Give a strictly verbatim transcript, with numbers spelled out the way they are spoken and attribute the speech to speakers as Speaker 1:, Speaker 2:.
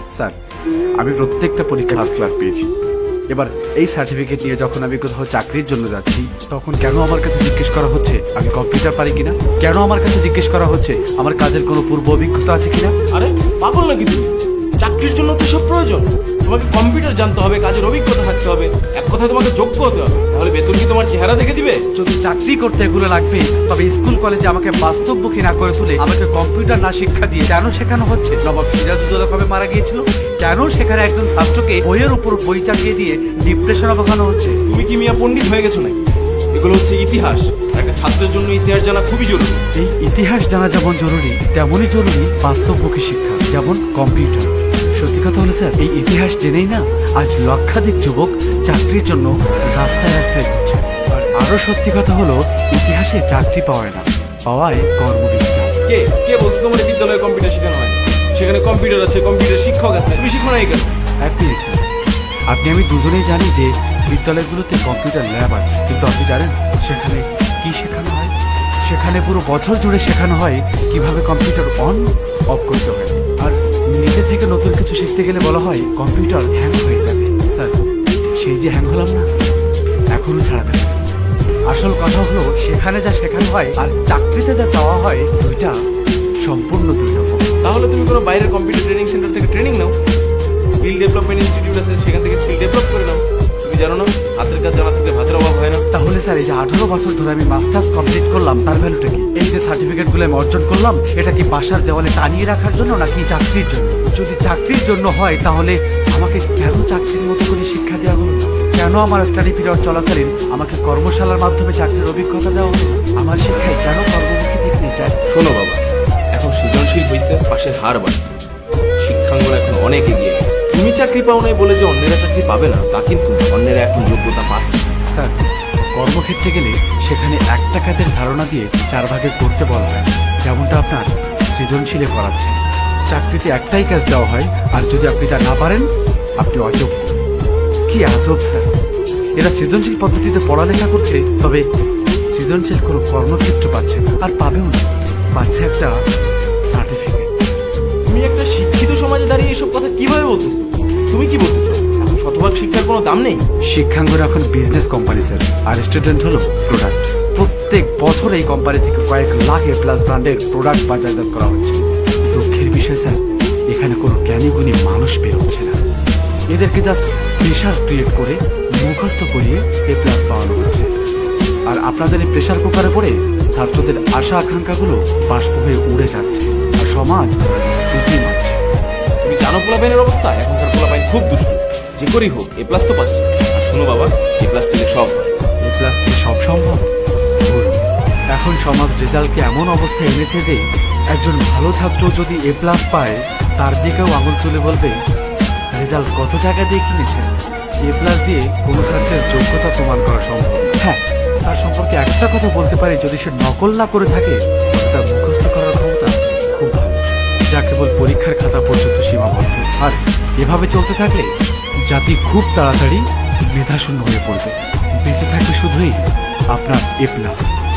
Speaker 1: Sir আমি প্রত্যেকটা পরীক্ষা ফার্স্ট ক্লাস পেয়েছি। এবার এই সার্টিফিকেট নিয়ে যখন আমি কোথাও চাকরির জন্য যাচ্ছি তখন কেন আমার কাছে জিজ্ঞেস করা হচ্ছে আমি কম্পিউটার পারি কিনা, কেন আমার কাছে জিজ্ঞেস করা হচ্ছে আমার কাজের কোনো পূর্ব অভিজ্ঞতা আছে কিনা।
Speaker 2: আরে পাগল নাকি তুমি? চাকরির জন্য তো সব প্রয়োজন। তোমাকে কম্পিউটার জানতে হবে, কাজের অভিজ্ঞতা থাকতে হবে, এক কথায় তোমাকে যোগ্য হতে হবে। তাহলে বেতন কি তোমার চেহারা দেখে দিবে?
Speaker 1: যদি চাকরি করতে এগুলো লাগবে তবে স্কুল কলেজে আমাকে বাস্তবমুখী না করে তুলে আমাকে কম্পিউটার না শিক্ষা দিয়ে কেন শেখানো হচ্ছে? নবাব সিরাজউদ্দৌলা কবে মারা গিয়েছিল? কেন সেখানে একজন ছাত্রকে বইয়ের উপর বই চাপিয়ে দিয়ে ডিপ্রেশনে বোঝানো হচ্ছে?
Speaker 2: তুমি কি মিয়া পণ্ডিত হয়ে গেছো নাকি? এগুলো হচ্ছে ইতিহাস। একটা ছাত্রের জন্য ইতিহাস জানা খুবই জরুরি।
Speaker 1: এই ইতিহাস জানা যেমন জরুরি তেমনই জরুরি বাস্তবমুখী শিক্ষা, যেমন কম্পিউটার। সত্যি কথা হলো স্যার, এই ইতিহাস জেনেই না আজ লক্ষাধিক যুবক চাকরির জন্য রাস্তায় রাস্তায় ঘুরছে। আর আরো সত্যি কথা হলো ইতিহাসে চাকরি পাওয়ায় না, পাওয়ায় কর্মবিদ্যা।
Speaker 2: কে কে বলছো তোমার বিদ্যালয়ে কম্পিউটার শেখানো হয়? সেখানে কম্পিউটার আছে, কম্পিউটার শিক্ষক আছে, তুমি শিখো নাই কেন?
Speaker 1: এক মিনিট স্যার, আপনি আমি দুজনেই জানি যে বিদ্যালয়গুলোতে কম্পিউটার ল্যাব আছে, কিন্তু আপনি জানেন সেখানে কি শেখানো হয়? সেখানে পুরো বছর জুড়ে শেখানো হয় কিভাবে কম্পিউটার অন অফ করতে হয়। আর নিজে থেকে নতুন কিছু শিখতে গেলে বলা হয় কম্পিউটার হ্যাং হয়ে যাবে। স্যার সেই যে হ্যাং হলাম না, এখনো ছাড়াবে না। আসল কথা হলো সেখানে যা শেখানো হয় আর চাকরিতে যা চাওয়া হয় দুইটা সম্পূর্ণ দুই রকম।
Speaker 2: তাহলে তুমি কোনো বাইরের কম্পিউটার ট্রেনিং সেন্টার থেকে ট্রেনিং নাও। স্কিল ডেভেলপমেন্ট ইনস্টিটিউট আছে, সেখান থেকে স্কিল ডেভেলপ করে নাও। তুমি জানো না হাতের কাজ জানা থাকলে ভাতের অভাব হয় না।
Speaker 1: তাহলে স্যার এই যে আঠারো বছর ধরে আমি মাস্টার্স কমপ্লিট করলাম তার ভ্যালুটা কি? এই যে সার্টিফিকেটগুলো আমি অর্জন করলাম এটা কি বাসার দেওয়ালে টানিয়ে রাখার জন্য নাকি চাকরির জন্য? যদি চাকরির জন্য হয় তাহলে আমাকে কেন চাকরির মতো করে শিক্ষা দেওয়া হলো না? কেন আমার স্টাডি পিরিয়ড চলাকালীন আমাকে কর্মশালার মাধ্যমে চাকরির অভিজ্ঞতা দেওয়া হলো না? আমার শিক্ষায় কেন কর্মমুখী দিক নেই স্যার?
Speaker 2: শোনো বাবা, এখন সৃজনশীল হয়েছে, পাশের হার বাড়ছে, শিক্ষাঙ্গন এখন অনেক এগিয়ে গেছে। তুমি চাকরি পাও নাই বলে যে অন্যেরা চাকরি পাবে না তা কিন্তু না। অন্যেরা এখন যোগ্যতা পাচ্ছে।
Speaker 1: স্যার কর্মক্ষেত্রে গেলে সেখানে একটা কাজের ধারণা দিয়ে চার ভাগে করতে বলা হয়, যেমনটা আপনার সৃজনশীলে করাচ্ছে। চাকরিতে একটাই কাজ দেওয়া হয় আর যদি আপনি তা না পারেন আপনি অযোগ্য। কি আজব স্যার, এরা সৃজনশীল পদ্ধতিতে পড়ালেখা করছে তবে সৃজনশীল কোনো কর্মক্ষেত্র পাচ্ছে না, আর পাবেও না, পাচ্ছে একটা সার্টিফিকেট।
Speaker 2: তুমি একটা শিক্ষিত সমাজে দাঁড়িয়ে এসব কথা কিভাবে বলতেছো? তুমি কি বলতে চাও এখন শতভাগ শিক্ষার কোনো দাম নেই?
Speaker 1: শিক্ষাঙ্গন এখন বিজনেস কোম্পানি স্যার, আর স্টুডেন্ট হলো প্রোডাক্ট। প্রত্যেক বছর এই কোম্পানি থেকে কয়েক লাখ এ প্লাস ব্র্যান্ডের প্রোডাক্ট বাজারজাত করা হচ্ছে। দুঃখের বিষয় স্যার, এখানে কোনো জ্ঞানী গুণী মানুষ বের হচ্ছে না। এদেরকে জাস্ট প্রেশার ক্রিয়েট করে মুখস্থ করিয়ে এ প্লাস পাওয়ানো হচ্ছে। আর আপনাদের এই প্রেশার কুকারে পড়ে ছাত্রদের আশা আকাঙ্ক্ষাগুলো বাষ্প হয়ে উড়ে যাচ্ছে আর সমাজ সিটি মারছে।
Speaker 2: তুমি জানো পোলাপাইনের অবস্থা? এখনকার পোলাপাইন খুব দুষ্ট। যে করেই হোক এ প্লাস তো পাচ্ছে। আর শোনো বাবা, এ প্লাস পেলে সব হয়।
Speaker 1: এ প্লাস কি সব সম্ভব? ভুল। এখন সমাজ রেজাল্টকে এমন অবস্থায় এনেছে যে একজন ভালো ছাত্র যদি এ প্লাস পায় তার দিকেও আঙুল তুলে বলবে রেজাল্ট কত টাকা দিয়ে কিনেছেন। এ প্লাস দিয়ে কোনো ছাত্রের যোগ্যতা প্রমাণ করা সম্ভব। হ্যাঁ, তার সম্পর্কে একটা কথা বলতে পারি, যদি সে নকল না করে থাকে তবে তার মুখস্থ করার ক্ষমতা খুব ভালো, যা কেবল পরীক্ষার খাতা পর্যন্ত সীমাবদ্ধ। আর এভাবে চলতে থাকলে জাতি খুব তাড়াতাড়ি মেধাশূন্য হয়ে পড়বে। বেঁচে থাকবে শুধুই আপনার এ প্লাস।